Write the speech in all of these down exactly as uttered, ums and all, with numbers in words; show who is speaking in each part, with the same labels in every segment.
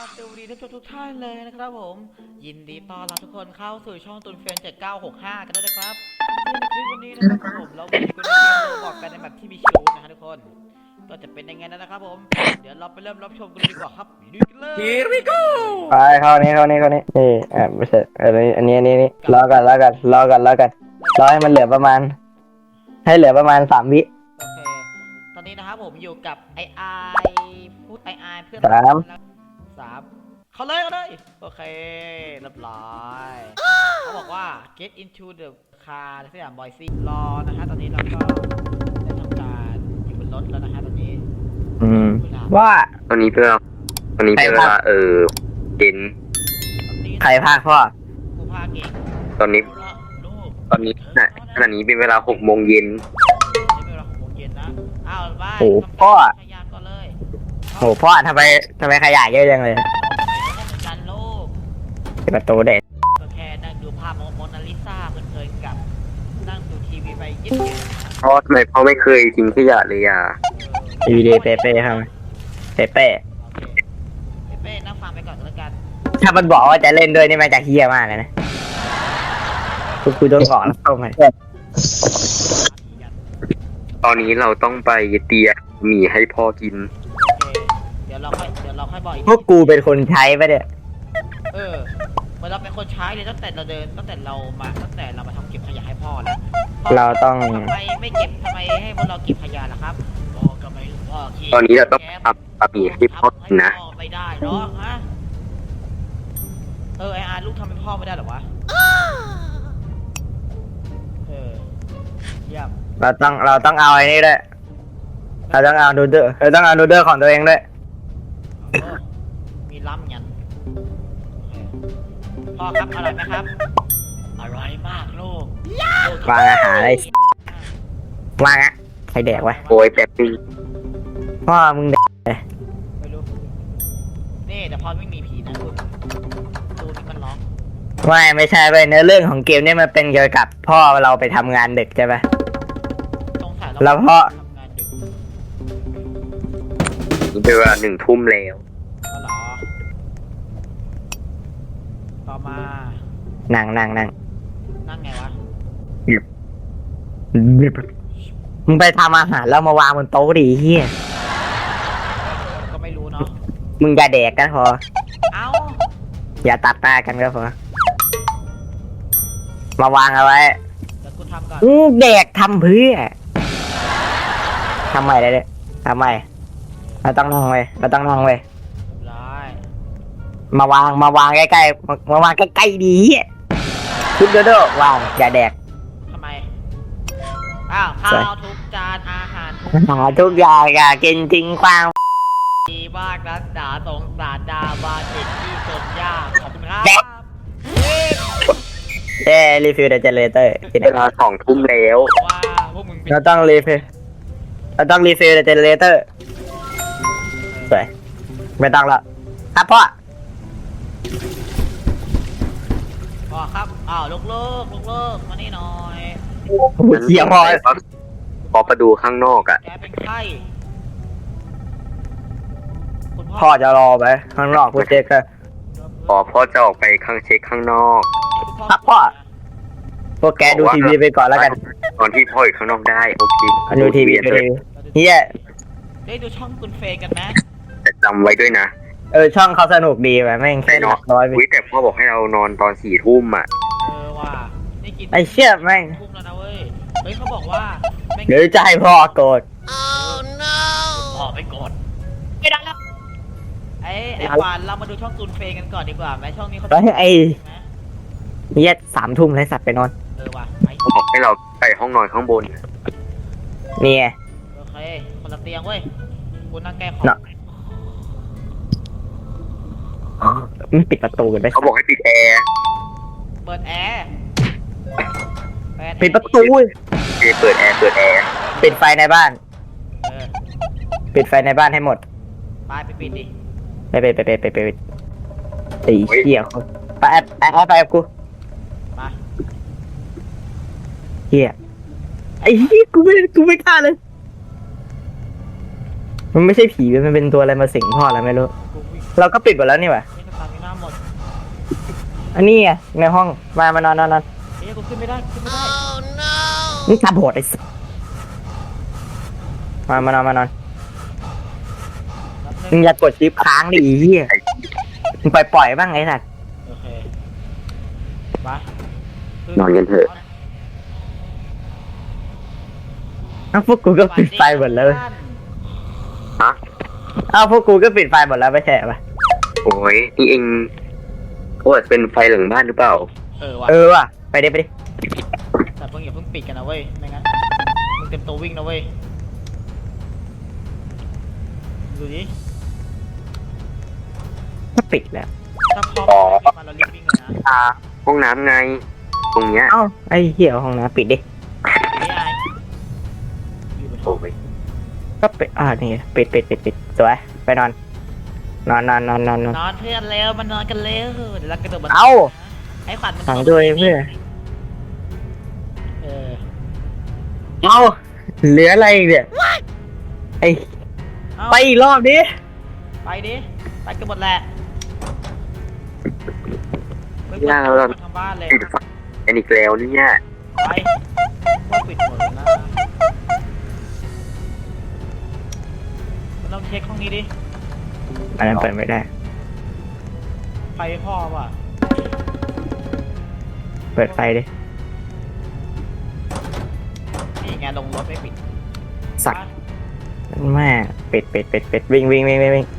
Speaker 1: สวัสดีท่านผู้ชมทุกท่านเลยนะครับผมยินดีต้อนรับทุกคนเข้าสู่ช่องตุนเฟรนเจ็ดเก้าหกห้ากันด้วยนะครับซึ่งในคลิปวันนี้นะครับผมเรามาอยู่กันในเกมโรบอกกันในแบบที่มีคิวนะฮะทุกคนก็จะเป็นยังไงนะครับผมเดี๋ยวเราไปเริ่มรับชมกันเลยดีกว่าครับดูกันเลย Here we go
Speaker 2: ไปเข้านี้เข้านี้เข้านี้นี่อ่าไม่ใช่อันนี้อันนี้อันนี้นี่รอกันรอกันรอกันรอกันรอให้มันเหลือประมาณให้เหลือประมาณสามวิ
Speaker 1: โอเคตอนนี้นะครับผมอยู่กับไอไอพูดไอไอเพื่อน
Speaker 2: สาม
Speaker 1: สามเขาเลยเขาเลยโอเคเรียบร้อยเขาบอกว่า get into the car สยามบอยซี่รอนะฮะตอนนี้เราก็ได้ทำการอยู่บนรถแล้วนะฮะตอนนี้
Speaker 2: อืมว่า
Speaker 3: ตอนนี้เพื่อตอนนี้เป็นเวลาเออเย็น
Speaker 1: ตอนนี้
Speaker 2: ใครพากพ่อ
Speaker 1: กูพาเก่ง
Speaker 3: ตอนนี้
Speaker 1: ลูก
Speaker 3: ตอนนี้น่ะขณะนี้เป็นเวลาหกโมงเย็น
Speaker 1: นี่เป็นเวลาหกโมงเย็นนะอ้าวบ้าน
Speaker 2: โอ้พ่อ
Speaker 1: ขยันก่อนเลย
Speaker 2: โหพ่อทำไมทำไมขยะเยอะจังเลย
Speaker 1: กันลูก
Speaker 2: ปิดประตูเด็ด
Speaker 1: ก็แค่นั่งดูภาพโมนาลิซาเพลินๆกับนั่งดูทีวีไปเย็นๆ
Speaker 3: เพราะทำไมพ่อไม่เคยทิ้งขยะเลยอ่ะ
Speaker 2: ดีดีเป๊ะเป๊ะครับเป๊ะเป๊ะ
Speaker 1: โอเคเป้นั่งฟังไปก่อนก็แล้วกัน
Speaker 2: ถ้ามันบอกว่าจะเล่นด้วยนี่มันจะเฮี้ยมากเลยนะกูกูโดนขอแล้วเข้ามา
Speaker 3: ตอนนี้เราต้องไปเตียหมี่ให้พ่อกิน
Speaker 1: โอเคเดี๋ยวเราค่อยเดี๋ยวเราค่อยบอกอีก
Speaker 2: พวกกูเป็นคนใช้ปะเนี่ย
Speaker 1: เออเหมือนเราเป็นคนใช้เลยตั้งแต่เราเดินตั้งแต่เรามาตั้งแต่เรามาทำเก็บขยะให้พ่อแล้วพ่
Speaker 2: เราต้อง
Speaker 1: ทำไมไม่เก็บทำไมให้พวกเราเก็บขยะล่ะครับพ่อก็ไม่รู้พ่อขี้
Speaker 3: ตอนนี้เราต้องทำบะหมี่ให้พ่อกินนะ
Speaker 1: ทำให้พ่อไม่ได้หรอกฮะเออไออาร์ลูกทำให้พ่อไม่ได้หรอวะเออเยี่ยม
Speaker 2: เราต้องเราต้องเอาไอ้นี่ด้วยเราต้องเอานูเดอร์เราต้องเอานูเดอร์ของตัวเองด้วย
Speaker 1: โอ้มีล้ำยันโอเคพ่อครับอร่อยไหมครับอร่อยมากลูก
Speaker 2: วางอาหารอะไรวางอะใครแดกวะ
Speaker 3: โอ้ยแป๊บนึง
Speaker 2: พ่อมึงแดก
Speaker 1: ไม่รู้นี่แต่พอไม่มีผีนะคุณดูนี่มันร้อง
Speaker 2: ไม่ไม่ใช่ไปเนื้อเรื่องของเกมเนี่ยมันเป็นเกี่ยวกับพ่อเราไปทำงานดึกใช่ปะ
Speaker 1: สงสัย
Speaker 2: แล้วพ่อ
Speaker 1: ทำงานดึก
Speaker 3: นี่เป็นเวลาหนึ่งทุ่มแล้ว
Speaker 1: ก็หรอต่อมา
Speaker 2: นั่งนั่งนั่ง
Speaker 1: นั่งไงวะ
Speaker 2: มึงไปทำอาหารแล้วมาวางบนโต๊ะดิเฮีย
Speaker 1: ก็ไม่รู้เนาะ
Speaker 2: มึงอย่าแดกกันพอ
Speaker 1: เอ้า
Speaker 2: อย่าตัดหน้ากันก็พอมาวางเอาไว้
Speaker 1: เดี๋ยวกูทำก่อน
Speaker 2: อื้อแดกทำเพื่อทำไมได้เนี่ยทำไมเราต้องนั่งไว้เราต้องนั่งไว้
Speaker 1: เรียบร้อย
Speaker 2: มาวางมาวางใกล้ๆมามาวางใกล้ๆดีชุดเด้อๆวางอย่าแดก
Speaker 1: ทำไมอ้าวข้าวทุกจานอาหารทุก
Speaker 2: หาทุกอย่างอย่ากินทิ้งกว้าง
Speaker 1: ดีมากนะดาสงสารดาบาเด็กที่จนยากขอบคุณครับ
Speaker 2: เอ้รีฟิลเดอะเจเนเรเตอร์ที่ไหน
Speaker 3: เวลาสองทุ่มแล้ว
Speaker 1: ว่าพวกมึงเป็น
Speaker 2: เราต้องรีฟิลเราต้องรีฟิลเดอะเจเนเรเตอร์สวยไม่ต้องละครับพ่อ
Speaker 1: พ่อครับอ้าวลูกเลิกลูกเลิกมานี่หน่อย
Speaker 2: เหี้ยพ่อ
Speaker 3: พอประดูข้างนอกอ่ะ
Speaker 1: แกเป็นไข้คุณ
Speaker 2: พ่อจะรอไปข้างนอกพูดเจ๊ก็
Speaker 3: พอพ่อจะออกไปข้างเช็คข้างนอก
Speaker 2: ครับพ่อ พวกแกดูทีวีไปก่อนแล้วกัน
Speaker 3: ตอนที่พ่ออยู่ข้างนอกได้โอเค
Speaker 2: ดูทีวีดูทีวีเฮีย
Speaker 1: ได้ดูช่องคุณเฟย์กันไหม
Speaker 3: แต่จำไว้ด้วยนะ
Speaker 2: เออช่องเขาสนุกดีว่ะแม่งแค่หลักร้อยไป
Speaker 3: วิแต่พ่อบอกให้เรานอนตอนสี่ทุ่มอ่ะ
Speaker 1: เออว่าได้กิน
Speaker 2: ไอ้เชี่ยแม่ง
Speaker 1: ทุ่มแล้วนะเว้ยเฮ้ยเขาบอกว่าแม่ง
Speaker 2: เดี๋ยวจะให้พ่อโกรธ
Speaker 1: พ่อไปกดไม่ได้แล้วไอ้ไอ้ปานเรามาดูช่องคุณเฟย์กันก่อนดีกว่าไหมช่องนี้เขา
Speaker 2: แล้วไอ้
Speaker 1: ไหม
Speaker 2: เฮียสามทุ่มเลยสัตว์ไปนอน
Speaker 1: เออว่ะไป
Speaker 3: เขาบอกให้เราไปห้องนอนข้างบน
Speaker 2: นี่ไง
Speaker 1: โอเคคนละเตียงเว้ยกูนั่งแก้ขอ
Speaker 2: เนาะ มันปิดประตูกันไป
Speaker 3: เขาบอกให้ปิดแอร์
Speaker 1: เปิดแอร์เปิดแอร์
Speaker 2: ปิดประตู
Speaker 3: โอเคเปิดแอร์เปิดแอร์
Speaker 2: ปิดไฟในบ้าน
Speaker 1: เออ
Speaker 2: ปิดไฟในบ้านให้หมด
Speaker 1: ไปไปปิดดิ
Speaker 2: ไปไปไปไปไปไปไปตีเหี้ยเขาไปแอบแอบไปกับกู
Speaker 1: มา
Speaker 2: เหี้ยไอ้เหี้ยกูไม่กูไม่กล้าเลย มันไม่ใช่ผีมันเป็นตัวอะไรมาสิงพ่อแล้วไม่รู้
Speaker 1: กูวิ่ง
Speaker 2: เราก็ปิดหมดแล้วนี่หว่า
Speaker 1: เอ๊ะสตาร์มิน่าหมด
Speaker 2: อันนี้ไงในห้องมามานอนนอนนอน
Speaker 1: เอ๊ะกูขึ้นไม่ได้ขึ้นไม่ได้
Speaker 2: นี่ตาบอดไอ้สัสมามานอนมานอน
Speaker 1: นับห
Speaker 2: มึ
Speaker 1: นึ่
Speaker 2: ง
Speaker 1: ง
Speaker 2: อย่ากดชิปค้างดิไอ้เหี้ยมึงปล่อยปล่อยบ้างไอ้สัส
Speaker 1: โอเคไป
Speaker 3: นอนกันเถอะ
Speaker 2: อ้าวพวกกูก็ปิดไฟหมดแล้ว
Speaker 3: ฮะ
Speaker 2: อ้าวพวกกูก็ปิดไฟหมดแล้วไม่ใช่ปะ
Speaker 3: โอ้ยนี่เองโอ้ยเป็นไฟหลังบ้านหรือเปล่า
Speaker 1: เออว่ะ
Speaker 2: เออว่ะไปดิไปดิ
Speaker 1: แต่เพิ่งอย่าเพิ่งปิดกันนะเว้ยไม่งั้นมึงเต็มตัววิ่งนะเว้ยดูดิ
Speaker 2: ก็ปิดแล้ว
Speaker 1: ถ้าพร้อมมาเรารีบวิ่งเลยนะ
Speaker 3: อ่า ห้องน้ำไง ตรงเนี้ย
Speaker 2: เอ้าไอ้เหี้ยห้องน้ำปิดดิ
Speaker 1: ไม่อายอยู่บนห้
Speaker 3: โอ้
Speaker 1: อง
Speaker 3: ย
Speaker 2: ก็ปิดอ่านี่ปิดปิดปิดปิดสวยไปนอน นอนนอนนอนนอนนอน
Speaker 1: นอนเพื่อนแล้วมันนอนกันแล้วเดี๋ยวเรากระโดดบน
Speaker 2: เอ้า
Speaker 1: ไอ้ขวัญมัน
Speaker 2: สั่งด้วยเพื่อน
Speaker 1: เออ
Speaker 2: เอ้าเหลืออะไรอีกเนี่ยไอ้
Speaker 1: เอ้า
Speaker 2: ไปอีกรอบดิ
Speaker 1: ไปดิไปกันหมดแหละไม่
Speaker 3: ย่าเราเรา
Speaker 1: ทำบ้านเลย
Speaker 3: ปิดไฟอันอีกแล้วเนี่ย
Speaker 1: ไปว่าปิดหมดแล้วนะมันต้องเช็คห้องนี้ดิ
Speaker 2: อันนั้นเปิดไม่ได้
Speaker 1: ไฟพ่อว่ะ
Speaker 2: เปิดไฟดิ
Speaker 1: นี่ไงลงรถไม่ปิด
Speaker 2: สักแม่ปิดปิดปิดปิดวิ่งวิ่งวิ่งวิ่งวิ่ง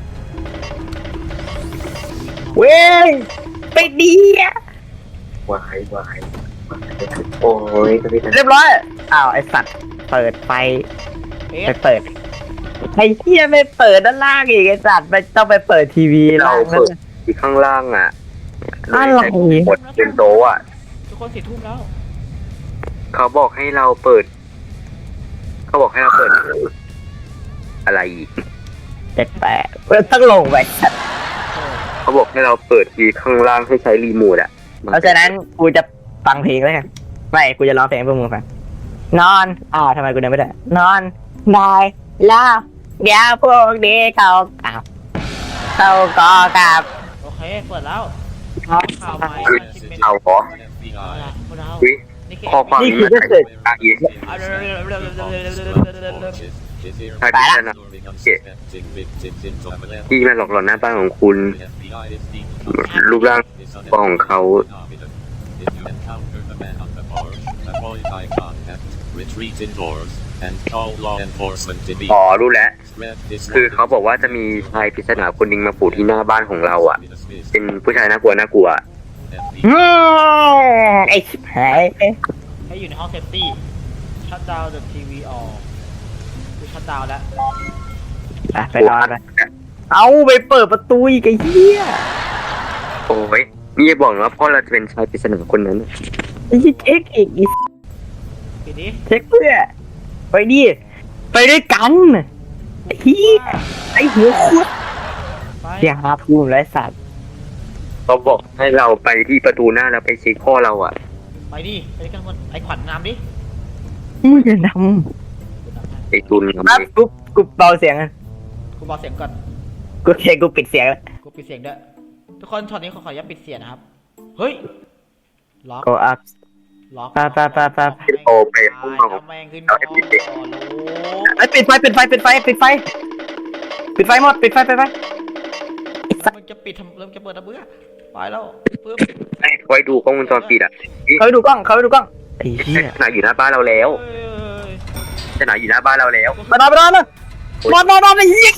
Speaker 2: วิ่งปิดดีอ่ะ
Speaker 3: วายวายโอ้ยจะไปทำ
Speaker 2: เรียบร้อยอ้าวไอสัตว์เปิดไฟ
Speaker 1: เอ๊ะ
Speaker 2: ไปเปิดไอ้เหี้ยไม่เปิดด้านล่างอีกไอสัตว์ไปต้องไปเปิดทีวี
Speaker 3: เรา
Speaker 2: ล่างนั่
Speaker 3: เปิ
Speaker 2: น
Speaker 3: ดที่ข้างล่างอ่ะ
Speaker 2: อะไร
Speaker 3: กดเป็นโต๊ะอ่ะ
Speaker 1: ทุกคนสี่ทุ่มแล้ว
Speaker 3: เขาบอกให้เราเปิด เขาบอกให้เราเปิด อะไรอีก
Speaker 2: เจ็ดแปดเปิดต้องลงไปสัตว์
Speaker 1: เออ
Speaker 3: เขาบอกให้เราเปิดทีข้างล่างให้ใช้รีโมทอ่ะ
Speaker 2: เพราะฉะนั้นกูจะฟังเพลงแล้วกันไม่กูจะร้องเพลงให้พวกมึงฟังนอนอ้าวทำไมกูเดินไม่ได้นอนได้แล้วเดี๋ยวพวกนี้เขากลับเขาก็กลับ
Speaker 1: โอเคเปิดแล้ว
Speaker 2: ครับ
Speaker 1: ข่าวใหม่
Speaker 3: คือเอาเหรอ
Speaker 1: เอาล่ะพวกเรา
Speaker 3: อุ๊ย
Speaker 1: นี่คือ
Speaker 3: ข้อความ
Speaker 2: นี่
Speaker 3: นี้
Speaker 2: คือ
Speaker 3: มัน
Speaker 2: ก็เกิด
Speaker 3: อ้างอิง
Speaker 1: เอาเร็วเร็วเร็วเร็วเร็วเร็วเร็วเร็วเร็วเร็วเร็วเร็ว
Speaker 3: ถ้าพิจารณาที่มาหลอกหลอนหน้าบ้านของคุณ รูปร่างของเขา
Speaker 4: Retreat indoors and call law enforcement
Speaker 3: อ๋อ
Speaker 4: immediately.
Speaker 3: รู้แล้ว คือเขาบอกว่าจะมีชายปริศนาคนหนึงมาปู่ที่หน้าบ้านของเราอ่ะ เป็นผู้ชายน่ากลัวน่ากลัว
Speaker 2: อืมไอ้ชิบหาย
Speaker 1: ให้อยู่ในห้องเซฟตี้ชัดดาวน์เดอะทีวีออกคือชัดดาวน์แล้ว
Speaker 2: อ่ะไปนอนไปเอาไปเปิดประตูอีกไอ้เหี้ย
Speaker 3: โอ้ยนี่จะบอกนะว่าพ่อเราจะเป็นชายปริศนาคนนั้น
Speaker 2: ไอ้เหี้ยเช็คอีกอี
Speaker 1: ปิดดิ
Speaker 2: เช็คเพื่อไปดิไปด้วยกันไอ้เหี้ยไอ้หัวคุด
Speaker 1: ไป
Speaker 2: เสียหาภูมิไรสัตว์
Speaker 3: เขาบอกให้เราไปที่ประตูหน้าแล้วไปเช็คพ่อเราอ่ะ
Speaker 1: ไปดิไปกันหมดไอ้ขวัญนำดิ
Speaker 2: มึงจะน
Speaker 1: กูนำให้
Speaker 3: ไอ้ตุน
Speaker 2: ำครับกูกูเบาเสียงกัน
Speaker 1: กูบอกเสียงก่อน
Speaker 2: กูเคกูปิดเสียงแล้ว
Speaker 1: กูปิดเสียงด้วยทุกคนช็อตนี้ขอขออนุญาตปิดเสียงนะครับเฮ้ยล็อก
Speaker 2: go up
Speaker 1: ล็อก
Speaker 2: ไปไปไปไป
Speaker 3: โอไปห้องนอน
Speaker 1: เอาแมงขึ้นก่อนโอ้โห
Speaker 2: ไอ้ยปิดไฟปิดไฟปิดไฟปิดไฟปิดไฟหมดปิดไฟปิดไฟไอ้สัตว์
Speaker 1: มันจะปิดทำเริ่มจะเปิดระเบื้อไปแล้วปึ๊บ
Speaker 3: ให้ไว้ดูกล้องวงจรปิดอ่ะ
Speaker 2: เขาไปดูกล้องเขาไปดูกล้องไอ้เหี้ย
Speaker 3: ขนาดอยู่หน้าบ้านเราแล้ว
Speaker 1: เอ้ย
Speaker 3: ขนาดอยู่หน้าบ้านเราแล้ว
Speaker 2: มานอนมานอนเลยนอนนอนนอนไอ้เหี้ย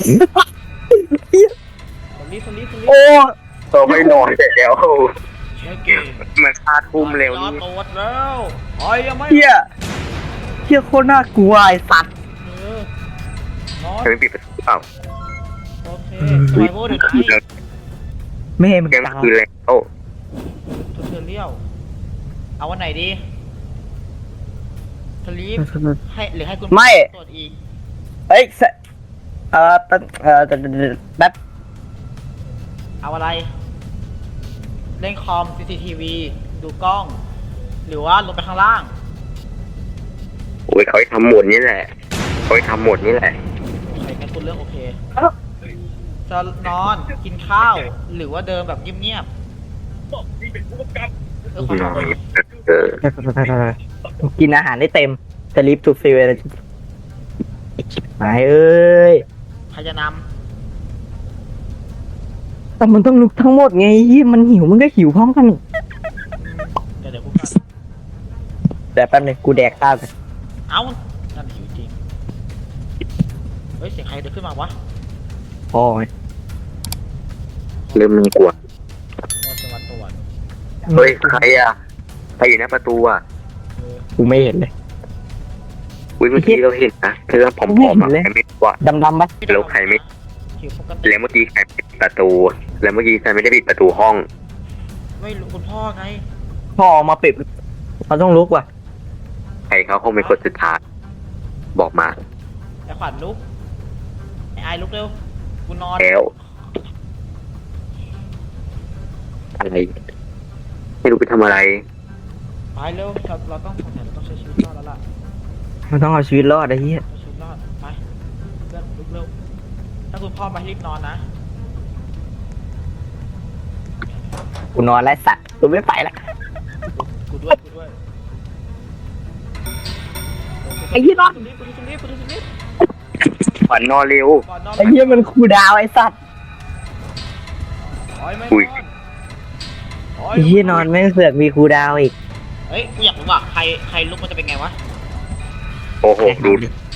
Speaker 1: สลีปสลีปสลีป
Speaker 2: โอ้
Speaker 3: ตัวไม่นอนเสร็จแล้ว
Speaker 1: เช็คเกม
Speaker 3: มันคาทุ่มเร็ว
Speaker 1: ย้อ
Speaker 3: นี่
Speaker 1: นตัวแล้วไอ้ยังไม่
Speaker 2: เหี้ยเหี้ยโคตรน่ากลัวไอ้สัตว์
Speaker 1: เออนอน
Speaker 3: เธอไม่ปิดประตูเปล่า
Speaker 1: โอเคสไวเวอร์เดี๋ยวไอ้
Speaker 2: แม่มึง
Speaker 3: เกม
Speaker 2: ตาย
Speaker 3: คืนแล้ว
Speaker 1: ทุเทเรียลเอาวันไหนดีสลีปให้หรือให้คุณ
Speaker 2: ไม่
Speaker 1: ตรวจอีก
Speaker 2: เอ้ยสเอ่อแป๊บเอ่อแป๊บ
Speaker 1: เอาอะไร เล่นคอม ซี ซี ที วี ดูกล้อง หรือว่าลงไปข้างล่าง
Speaker 3: โอ้ยเขาให้ทำหมดนี่แหละเขาให้ทำหมดนี่แหละ
Speaker 1: โอเคงั้นคุณเลือกโอเคจะนอนกินข้าว หรือว่าเดินแบบเงียบๆเออขอโทษ
Speaker 3: เออ
Speaker 2: กินอาหารได้เต็มสลิปทูฟิลอะไรไปเอ้ย
Speaker 1: ใครจะน
Speaker 2: แต่มันต้องลุกทั้งหมดไงเหี้ยมันหิวมันก็หิวพร้อมกัน
Speaker 1: ำเดี๋ยวเดี๋ยวกูกัน
Speaker 2: แต่แป๊บนึงกูแดกข้าวกัน
Speaker 1: เอ้านั่นหิวจริงเฮ้ยเสียงใครเดินขึ้นมาวะ
Speaker 2: พ่อไง
Speaker 3: เริ่มมีกลัว
Speaker 1: ว่าจะมาตรวจ
Speaker 3: เฮ้ยใครอ่ะใครอยู่หน้าประตูอ่ะ
Speaker 1: เออ
Speaker 2: กูไม่เห็นเลย
Speaker 3: อุ้ยเมื่อกี้เราเห็นนะเธอผอมๆอ่ะใครไม่รู้อ่ะ
Speaker 2: ดำๆปะ
Speaker 3: แล้วใครไม่
Speaker 1: หิวปกติ
Speaker 3: แล้วเมื่อกี้ใครปิดประตู แล้วเมื่อกี้ใครไม่ได้ปิดประตูห้อง
Speaker 1: ไม่รู้คุณพ่อไง
Speaker 2: พ่อออกมาปิดเขาต้องลุกว่ะ
Speaker 3: ใครเขาคงเป็นคนสุดท้ายบอกมา
Speaker 1: ไอ้ขวัญลุกไอ้ไอายลุกเร็วกูนอน
Speaker 3: แล้วอะไรไม่รู้ไปทำอะไร
Speaker 1: ไปเร็วเราเราต้องเราต้องใช้ชีวิตรอดแล้วล่ะ
Speaker 2: มันต้องเอาชีวิตรอดไอ้เหี้ย
Speaker 1: ใช้ชีวิตรอดไปเพื่อนลุกเร็วถ้าคุณพ่อมาให้รีบนอนนะ
Speaker 2: กูนอนแล้วสัตว์กูไม่ไปละ
Speaker 1: กูด้วยกูด้วย
Speaker 2: ไอ้เหี้ยนอน
Speaker 1: กูดูตรงนี้กูดูตรงนี้
Speaker 3: ขวัญนอนเร็ว
Speaker 1: ก่อนนอน
Speaker 2: ไอ้เหี้ยมันคูลดาวน์ไอ้สัตว์
Speaker 1: โอ้ยไม่
Speaker 3: อุ้ย
Speaker 1: นอนโอ้ย
Speaker 2: ไอ้เหี้ยนอนแม่งเสือกมีคูลดาวน์อีก
Speaker 1: เฮ้ยกูอยากรู้ว่าใครใครลุกมันจะเป็นไงวะ
Speaker 3: โอ้โหดู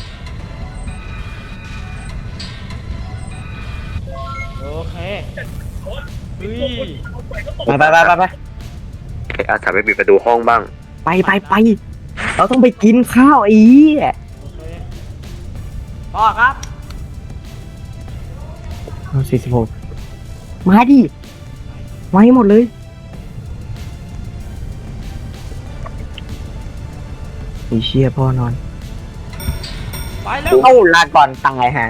Speaker 1: โอเคเฮ้ย
Speaker 2: ไปไปไปไปไป
Speaker 3: ใครอาสาไปปิดประตูห้องบ้าง
Speaker 2: ไปไปไปเราต้องไปกินข้าวไอ้เหี้ย
Speaker 1: โอเคพ่อครับ
Speaker 2: สี่สิบหกมาดิมาให้หมดเลยไอ้เชี่ยพ่อนอน
Speaker 1: ไปเร็ว
Speaker 2: เอ้าลาก่อนตายฮะ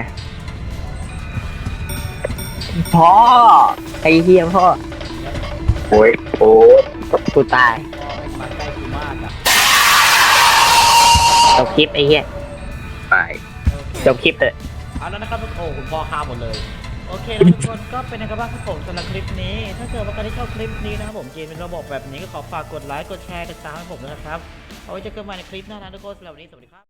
Speaker 2: พ่อไอ้เหี้ยพ่อ
Speaker 3: โอ้ยโอ้ย
Speaker 2: กูตาย
Speaker 1: พ่อมาใกล้กูมากอะ
Speaker 2: จบคลิปไอ้เหี้ย
Speaker 3: ไป
Speaker 1: โอเค
Speaker 2: จบคลิปเถอะ
Speaker 1: เอาแล้วนะครับโอ้คุณพ่อฆ่าหมดเลย โอเคแล้วทุกคนก็เป็นนะครับบ้างครับผมสำหรับคลิปนี้ ถ้าเกิดว่าใครที่ชอบคลิปนี้นะครับผมเกมเป็นระบบแบบนี้ก็ขอฝากกดไลค์กดแชร์กดติดตามให้ผมด้วยนะครับเอาไว้เจอกันใหม่ในคลิปหน้านะทุกคนสำหรับวันนี้สวัสดีครับ